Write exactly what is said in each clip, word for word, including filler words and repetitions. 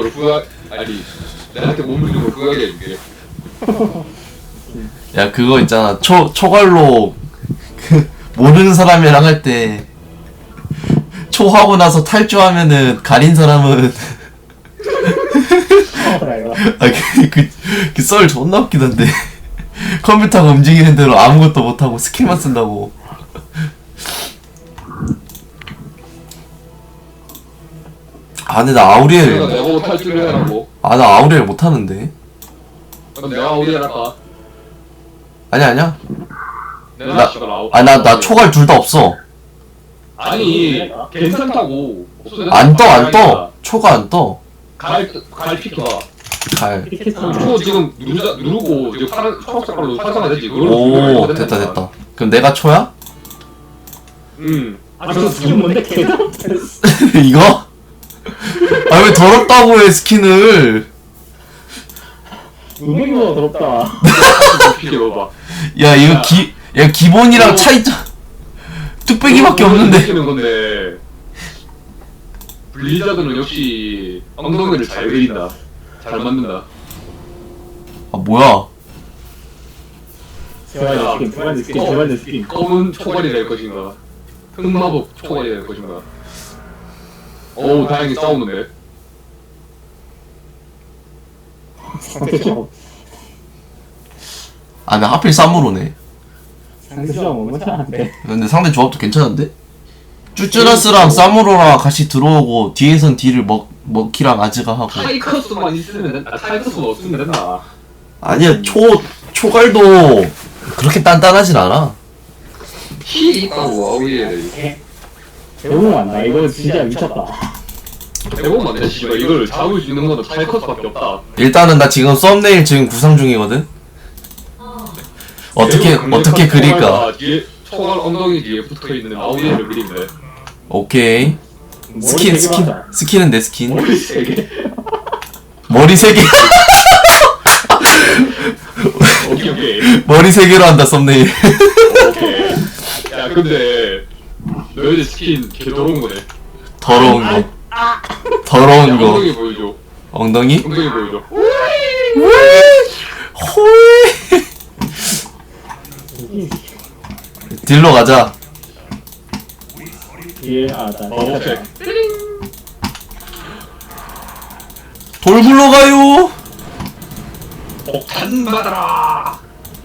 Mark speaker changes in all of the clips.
Speaker 1: 걸 구하 아니 나한테 몸을 주는 걸 구하게 해줄게.
Speaker 2: 야 그거 있잖아 초 초갈로 그 모르는 사람이랑 할 때 초하고 나서 탈주하면은 가린 사람은 아그그 썰 존나 웃기던데 컴퓨터가 움직이는 대로 아무것도 못하고 스킬만 쓴다고. 아 근데 나 아우리엘
Speaker 1: 내가 내가 탈주를 해라고.
Speaker 2: 아 나 아우리엘 못하는데.
Speaker 1: 그럼 내가 아우리엘 할까?
Speaker 2: 아니야 아니야.
Speaker 1: 내가
Speaker 2: 나-
Speaker 1: 씨발 아우-
Speaker 2: 아 나 나 초갈 둘 다 없어.
Speaker 1: 아니 괜찮다고.
Speaker 2: 안 떠 안 떠. 초가 안 떠.
Speaker 1: 갈갈 피켜봐.
Speaker 2: 갈.
Speaker 1: 초 지금 누르자 누르고 지금 파란 초록 색깔로 활성화되지.
Speaker 2: 오 됐다 됐다. 그럼 내가 초야?
Speaker 1: 응.
Speaker 3: 아, 저 스킨 뭔데, 걔도?
Speaker 2: 이거? 아 왜 더럽다고 해 스킨을.
Speaker 3: 은행보다 더럽다.
Speaker 1: 피켜봐.
Speaker 2: 야 이거
Speaker 1: 야.
Speaker 2: 기, 야 기본이랑 차이점 뚝배기밖에 없는데.
Speaker 1: 느끼는 건데 블리자드는 역시 엉덩이를 잘 그린다. 잘 만든다.
Speaker 2: 아 뭐야?
Speaker 3: 대만의 스킨, 대만의 스킨,
Speaker 1: 어.
Speaker 3: 대만의 스킨.
Speaker 1: 검은 초갈이 될 것인가? 흑마법 초갈이 될 것인가? 어우 다행히 싸우는데.
Speaker 3: 상대적.
Speaker 2: 아 나 하필 쌈무로네.
Speaker 3: 상대적 못하는데.
Speaker 2: 근데 상대 조합도 괜찮은데? 쭈쭈라스랑 쌈무로랑 같이 들어오고 뒤에선 딜을 먹 먹키랑 아즈가 하고.
Speaker 1: 타이커스만 있으면 된다. 타이커스만 없으면 된다.
Speaker 2: 아니야 초 초갈도 그렇게 단단하진 않아.
Speaker 1: 힐 있다고 아우리에.
Speaker 3: 대부분 안다. 이거 진짜 미쳤다.
Speaker 1: 대본만 내 씨발 이걸 잡을 수 있는 거는 타이커스밖에 없다.
Speaker 2: 일단은 나 지금 썸네일 지금 구상 중이거든. 어떻게
Speaker 1: 대본
Speaker 2: 어떻게
Speaker 1: 강력한
Speaker 2: 그릴까?
Speaker 1: 초갈과 뒤에 초갈 엉덩이 뒤에 붙어 있는 아우리를 그리면 돼.
Speaker 2: 오케이. 스킨
Speaker 3: 머리
Speaker 2: 스킨
Speaker 3: 되게 많다.
Speaker 2: 스킨은 내 스킨.
Speaker 1: 머리 세 개.
Speaker 2: 머리 세 개.
Speaker 1: 오케이 오케이.
Speaker 2: 머리 세 개로 한다 썸네일.
Speaker 1: 오케이. 야 근데 너희들 스킨 개 더러운 거네.
Speaker 2: 더러운 거. 더러운
Speaker 1: 야,
Speaker 2: 거.
Speaker 1: 엉덩이 보여줘.
Speaker 2: 엉덩이?
Speaker 1: 엉덩이 보여줘.
Speaker 2: 호이. 딜로 가자.
Speaker 3: 예, 아, 나.
Speaker 1: 어 오케이.
Speaker 2: 돌 굴러가요.
Speaker 1: 폭탄 받아라.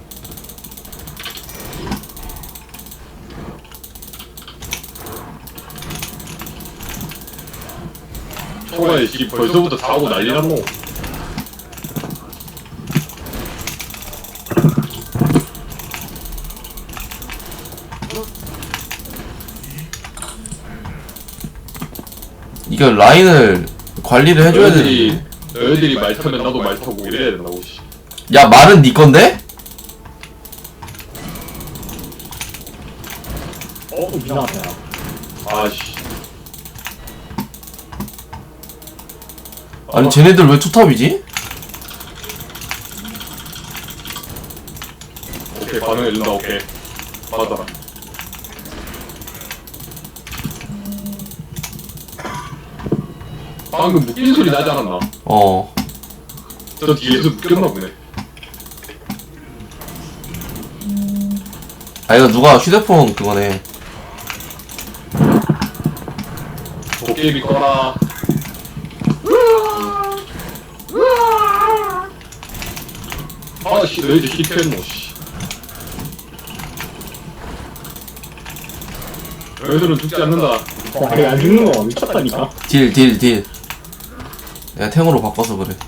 Speaker 1: 초가에 씨 벌써부터 사고 난리 났노.
Speaker 2: 이거 라인을 관리를 해줘야
Speaker 1: 너희들이
Speaker 2: 되는데.
Speaker 1: 너희들이 말 타면 나도 말 타고 이래야 된다고 씨.
Speaker 2: 야 말은 네 건데?
Speaker 3: 어, 이상하다.
Speaker 1: 아씨.
Speaker 2: 아니 쟤네들 왜 투탑이지?
Speaker 1: 오케이 반응해준다. 오케이 맞아라. 방금 묶인 소리 나지 않았나?
Speaker 2: 어.
Speaker 1: 저 뒤에서 묶였나 보네.
Speaker 2: 아 이거 누가 휴대폰 그거네.
Speaker 1: 도깨비 꺼라. 아씨 너희들 힙했노 씨. 너희들은 죽지 않는다.
Speaker 3: 와, 이거 안 죽는 거 미쳤다니까.
Speaker 2: 딜 딜 딜. 내가 탱으로 바꿔서 그래.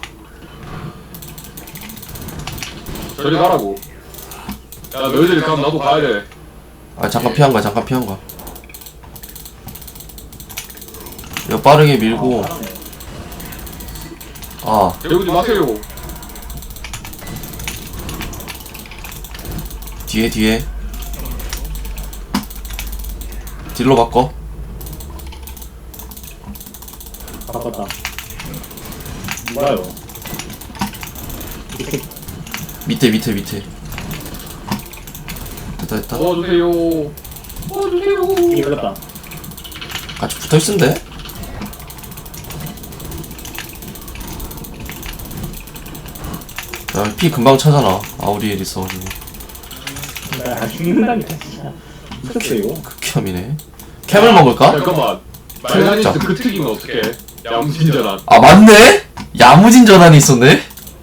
Speaker 1: 저리 가라고. 야 너희들이 가면 나도 가야 돼.
Speaker 2: 아 잠깐 피한 거야 잠깐 피한 거야. 이거 빠르게 밀고. 아
Speaker 1: 배우지 마세요.
Speaker 2: 뒤에 뒤에. 딜로 바꿔.
Speaker 3: 바꿨다. 뭐가요?
Speaker 2: 밑에 밑에 밑에. 됐다 됐다.
Speaker 1: 도와주세요. 도와주세요.
Speaker 3: 이게 걸렸다.
Speaker 2: 같이 붙어있으면 돼. 야, 피 금방 차잖아. 아우리엘 있어가지고.
Speaker 3: 야 죽는다니까 진짜. 미쳤어 이거.
Speaker 2: 극혐이네. 캠을 먹을까?
Speaker 1: 잠깐만. 말가니스 그 특이면 어떡해? 야무진전한.
Speaker 2: 아 맞네? 야무진 전환이 있었네?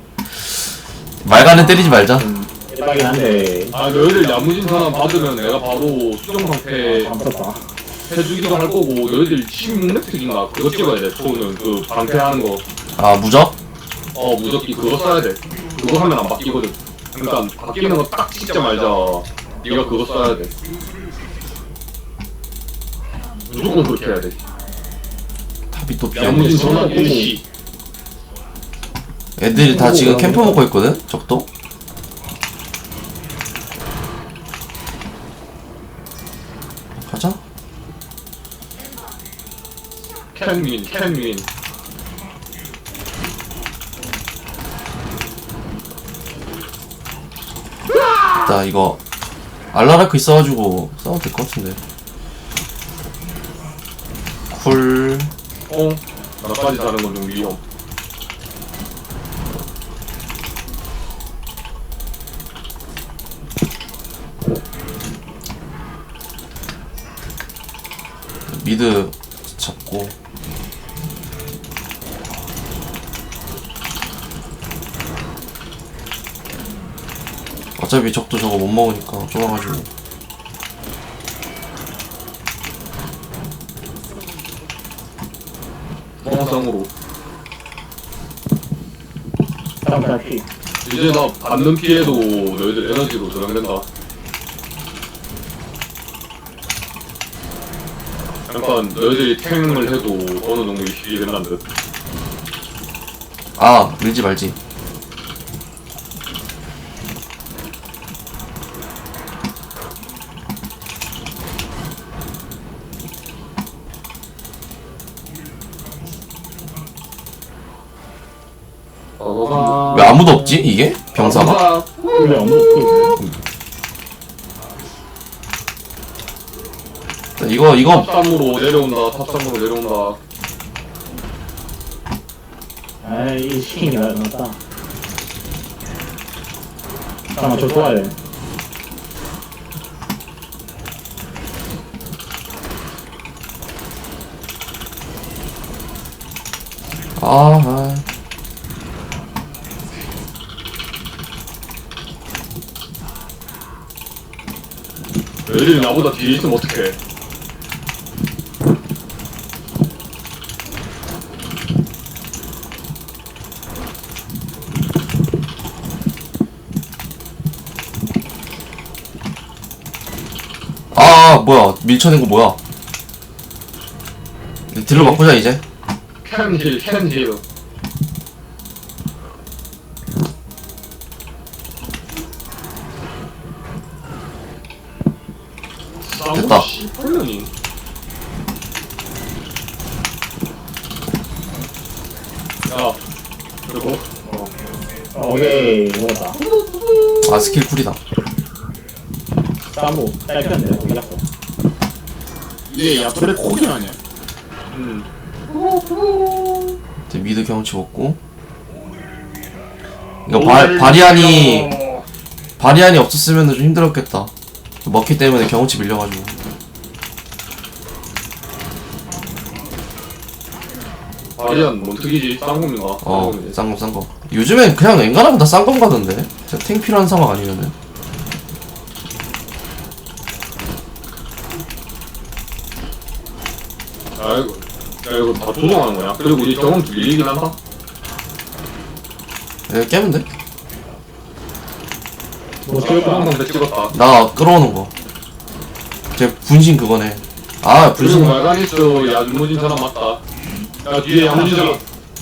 Speaker 2: 말간은 때리지 말자.
Speaker 3: 음, 대박이긴 한데.
Speaker 1: 아 너희들 야무진전한 받으면 내가 바로 수정 상태
Speaker 3: 아, 감췄다.
Speaker 1: 해주기도 할 거고 너희들 십육 렙 특인가 그거 찍어야 돼. 초는 그 방패하는 거.
Speaker 2: 아 무적?
Speaker 1: 어 무적기 그거 써야 돼. 그거 하면 안 바뀌거든. 그러니까 바뀌는 거 딱 찍자마자 네가 그거 써야 돼. 무조건 그렇게 해야 돼.
Speaker 2: 탑이 또
Speaker 1: 야무진
Speaker 2: 비었네.
Speaker 1: 전환 일시.
Speaker 2: 애들이 다 지금 캠프 먹고 있거든? 적도? 가자.
Speaker 1: 캔윈 캔윈.
Speaker 2: 나 이거 알라라크 있어가지고 싸워도 될 것 같은데. 쿨.
Speaker 1: 어? 나까지 다른 건 좀 위험.
Speaker 2: 미드 잡고. 어차피 적도 저거 못 먹으니까 좁아가지고.
Speaker 1: 멍상으로.
Speaker 3: 다음 다시.
Speaker 1: 이제 나 받는 피해도 너희들 에너지로 저장된다. 약간 너희들이 탱을 해도 어느 정도 이식이 된다는 듯.
Speaker 2: 아 밀지 말지.
Speaker 1: 어,
Speaker 2: 왜 아무도 없지 이게? 병사가?
Speaker 3: 근데 아무도 없어.
Speaker 2: 이거 이거
Speaker 1: 탑삼으로 내려온다. 탑삼으로 내려온다.
Speaker 3: 아이 시킨 게 나았다. 잠깐만 저 도와야 돼.
Speaker 2: 아, 아.
Speaker 1: 너희들이 나보다 뒤에 있으면 어떡해.
Speaker 2: 아 뭐야 밀쳐낸 거 뭐야? 딜로 바꾸자 이제.
Speaker 1: 캔힐 캔힐.
Speaker 2: 됐다.
Speaker 1: 헐련이. 야, 그리고
Speaker 3: 어, 오케이 먹었다.
Speaker 2: 아 스킬 쿨이다.
Speaker 3: 쌈무 짧겠네. 어디 갔어?
Speaker 4: 얘 야토레 코긴 아니야?
Speaker 1: 음.
Speaker 2: 이제 미드 경험치 먹고. 이거 바, 바리안이 바리안이 없었으면 좀 힘들었겠다. 먹기 때문에 경험치 밀려가지고.
Speaker 1: 바리안 뭔 특이지? 쌍검인가?
Speaker 2: 어 싼거 싼거. 요즘엔 그냥 엔간하면 다 싼검 가던데. 진짜 탱 필요한 상황 아니면은.
Speaker 1: 아 이거, 야 이거 다 조정하는 거야? 그리고 우리 경험치 밀리긴 한다?
Speaker 2: 예, 깨면 돼.
Speaker 3: 뭐 찍을 거야?
Speaker 1: 한번 더 찍었다.
Speaker 2: 나 끌어오는 거. 제 분신 그거네. 아
Speaker 1: 그리고
Speaker 2: 분신.
Speaker 1: 말가니스 야무진 사람 맞다. 야 뒤에 야무진 사람.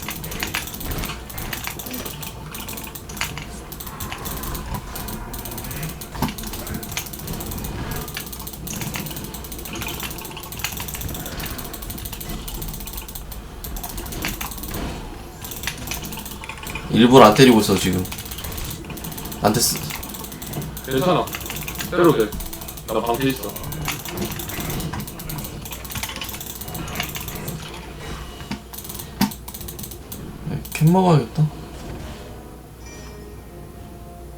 Speaker 2: 일부러 안 때리고 있어 지금. 안 됐어.
Speaker 1: 괜찮아. 때려도 돼. 나 방패 있어.
Speaker 2: 네, 캔 먹어야겠다.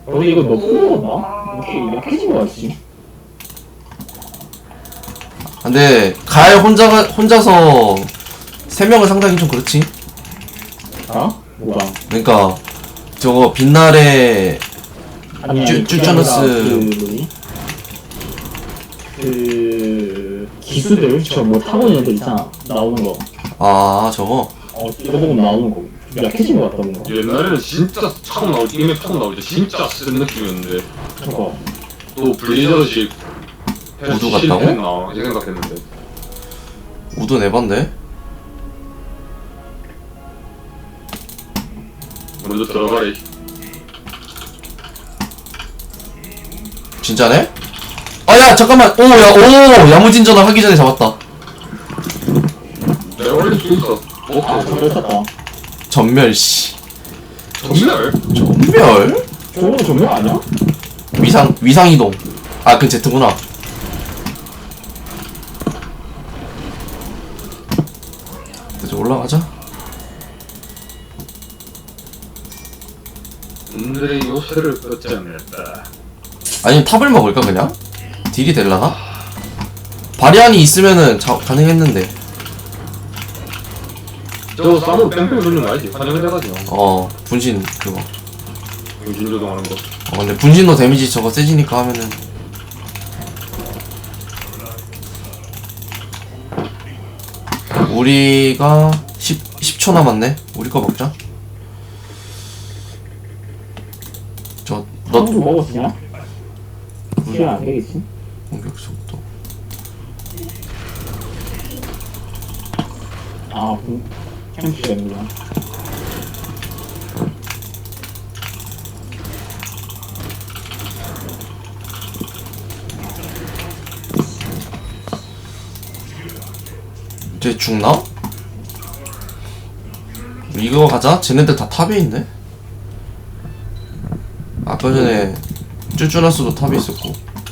Speaker 3: 너네 이거 너무 먹었나? 이렇게 약해진 거 같지?
Speaker 2: 근데 가을 혼자가 혼자서 세 명을 상대하기 좀 그렇지.
Speaker 3: 어? 뭐가?
Speaker 2: 그러니까 저거 빛날의
Speaker 3: 아니,
Speaker 2: 쭈-
Speaker 3: 아니, 그게
Speaker 2: 쭈쭈너스.
Speaker 3: 아니라 그 뭐지? 그 기수들 저 뭐 타고 있는 애들 있잖아 나오는 거.
Speaker 2: 아 저거
Speaker 3: 어 이거 보고 나오는 거. 약해진 거 같다 뭔가.
Speaker 1: 옛날에는 진짜 처음 나올 때 이맵 처음 나올 때 진짜 센 느낌이었는데
Speaker 3: 저거.
Speaker 1: 또 블리저드식
Speaker 2: 우드 같다고?
Speaker 1: 나 이 생각했는데
Speaker 2: 우드 내반데.
Speaker 1: 먼저 들어가래.
Speaker 2: 진짜네? 아야 잠깐만. 오야오 야무진전을 하기 전에 잡았다.
Speaker 1: 내가 원래 수 있어.
Speaker 3: 아
Speaker 1: 어?
Speaker 3: 저걸 쳤다.
Speaker 2: 전멸 씨.
Speaker 1: 정말?
Speaker 2: 전멸?
Speaker 3: 저거 전멸 아니야?
Speaker 2: 위상 위상 이동. 아 그 제트구나. 이제 올라가자.
Speaker 1: 오늘의 요새를 걷지 않는다.
Speaker 2: 아니면 탑을 먹을까 그냥? 딜이 될라나? 바리안이 있으면은 자, 가능했는데.
Speaker 1: 저 싸움 뺑뺑 돌리는 거 알지? 환영을 해가지고
Speaker 2: 어 분신 그거.
Speaker 1: 정신 조종하는 거.
Speaker 2: 어 근데 분신도 데미지 저거 세지니까 하면은. 우리가 십, 십 초 남았네. 우리 거 먹자. 저, 너,
Speaker 3: 너도 먹었으냐? 시간 안 되겠지?
Speaker 2: 공격 속도.
Speaker 3: 아 그, 캠프가 있는구나.
Speaker 2: 쟤 죽나? 이거 가자. 쟤네들 다 탑에 있네? 아까 전에 쭈쭈나스도 탑에 있었고.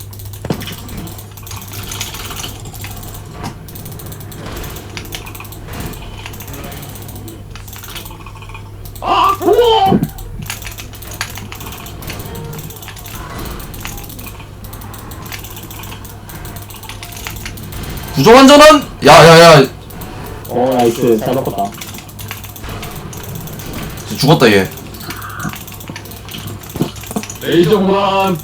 Speaker 2: 부정한 전환! 야야야
Speaker 3: 어 나이스 잘 먹었다.
Speaker 2: 죽었다 얘.
Speaker 1: 레이저 호란.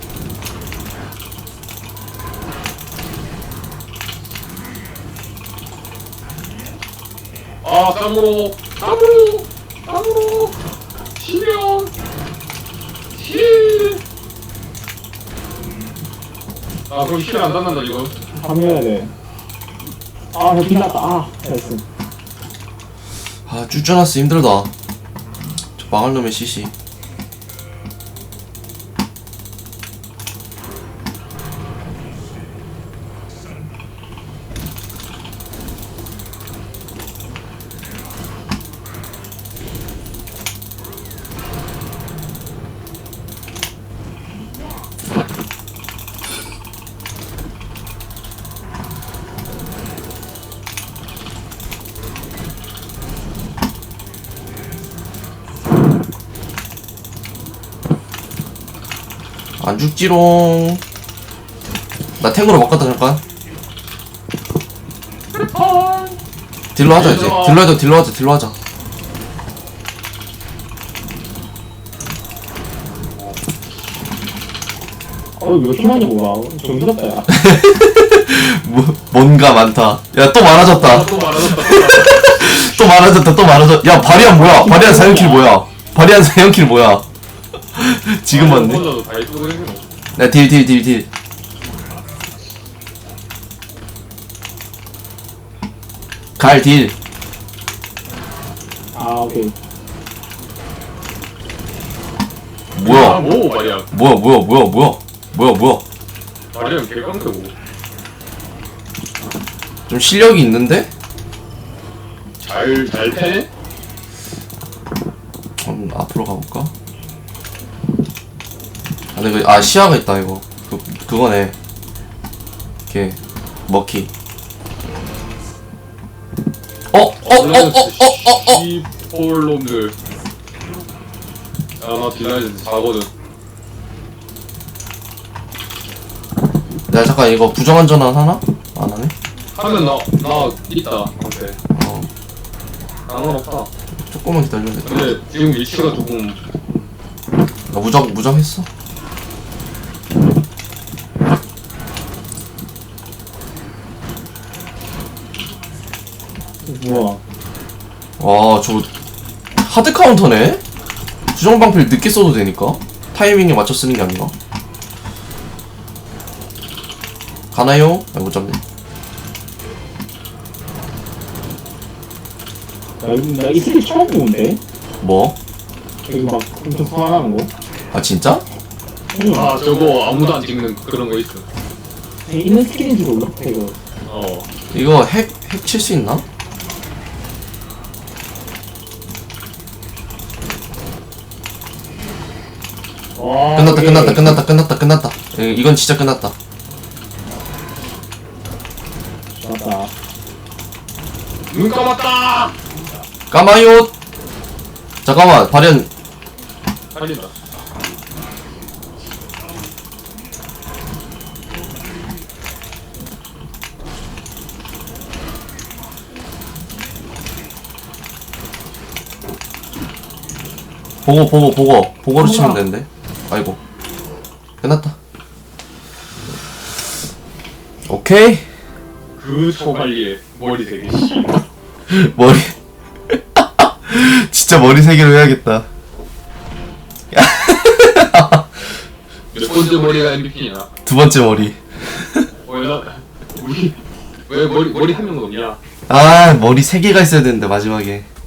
Speaker 1: 아 쌍으로 쌍으로 쌍으로 실명 실. 아 그럼 실 안 닿는다 지금.
Speaker 3: 합류해야 돼. 아나 빌났다. 아 나이스.
Speaker 2: 아 쭈쭈나스 힘들다. 저 망할 놈의 씨씨. 안 죽지롱. 나 탱으로 바꿨다 잠깐. 딜로 하자 이제. 딜로 하자 딜로 하자 딜로 하자.
Speaker 3: 어 이거 희망이 뭐야? 좀 무섭다 야.
Speaker 2: 뭐, 뭔가 많다. 야 또 많아졌다.
Speaker 1: 또 말하셨다.
Speaker 2: 또 많아졌다 또 많아졌. 야 바리안 뭐야? 바리안 사연킬 뭐야? 바리안 사연킬 뭐야? 지금 봤네.
Speaker 1: 혼자도 다 해주고 있는 거.
Speaker 2: 야 딜 딜 딜 딜. 갈 딜.
Speaker 3: 아 오케이.
Speaker 1: 아,
Speaker 2: 뭐야?
Speaker 1: 뭐 말이야.
Speaker 2: 뭐야 뭐야 뭐야 뭐야 뭐야 뭐야?
Speaker 1: 말이야 개깡패고.
Speaker 2: 좀 실력이 있는데?
Speaker 1: 잘잘 패네.
Speaker 2: 음, 앞으로 가볼까? 아, 근데 그, 아, 시야가 있다, 이거. 그, 그거네. 걔, 머키. 어, 어, 어, 어, 어, 어, 어,
Speaker 1: 시폴놈들. 아, 나 딜라이즈 사거든.
Speaker 2: 야 잠깐 이거 부정한 전환 하나? 안 하네?
Speaker 1: 하면 나, 나 있다, 방패.
Speaker 2: 어
Speaker 1: 상관없다.
Speaker 2: 조금만 기다려야 돼.
Speaker 1: 근데 지금 위치가 조금.
Speaker 2: 나 무적 무적했어.
Speaker 3: 우와.
Speaker 2: 와저 하드 카운터네? 부정 방패를 늦게 써도 되니까 타이밍에 맞춰 쓰는 게 아닌가? 가나요? 아 못 잡네.
Speaker 3: 나이 스킬 처음 보는데?
Speaker 2: 뭐?
Speaker 3: 여기 막 엄청 소환하는 거?
Speaker 2: 아 진짜?
Speaker 3: 응.
Speaker 1: 아, 저거 아무도 안 찍는 그런 거 있어.
Speaker 3: 있는 스킬인지 몰라 이거.
Speaker 1: 어.
Speaker 2: 이거 핵, 핵 칠 수 있나?
Speaker 3: 와,
Speaker 2: 끝났다
Speaker 3: 이게
Speaker 2: 끝났다 끝났다 끝났다 끝났다. 이- 이건 진짜 끝났다.
Speaker 3: 맞다.
Speaker 1: 눈 감았다!
Speaker 2: 까마요. 잠깐만 발현.
Speaker 1: 살린다.
Speaker 2: 보고 보고 보고 보고로 치면 되는데. 아이고 끝났다. 오케이.
Speaker 1: 그 소갈리에 머리 되게 씨.
Speaker 2: 머리 진짜 머리 세 개로 해야겠다.
Speaker 1: 몇 번째 머리가 엠브이피냐?
Speaker 2: 두 번째 머리.
Speaker 1: 왜 나, 우리, 왜 머리, 머리 한 명도 없냐?
Speaker 2: 아 머리 세 개가 있어야 되는데 마지막에.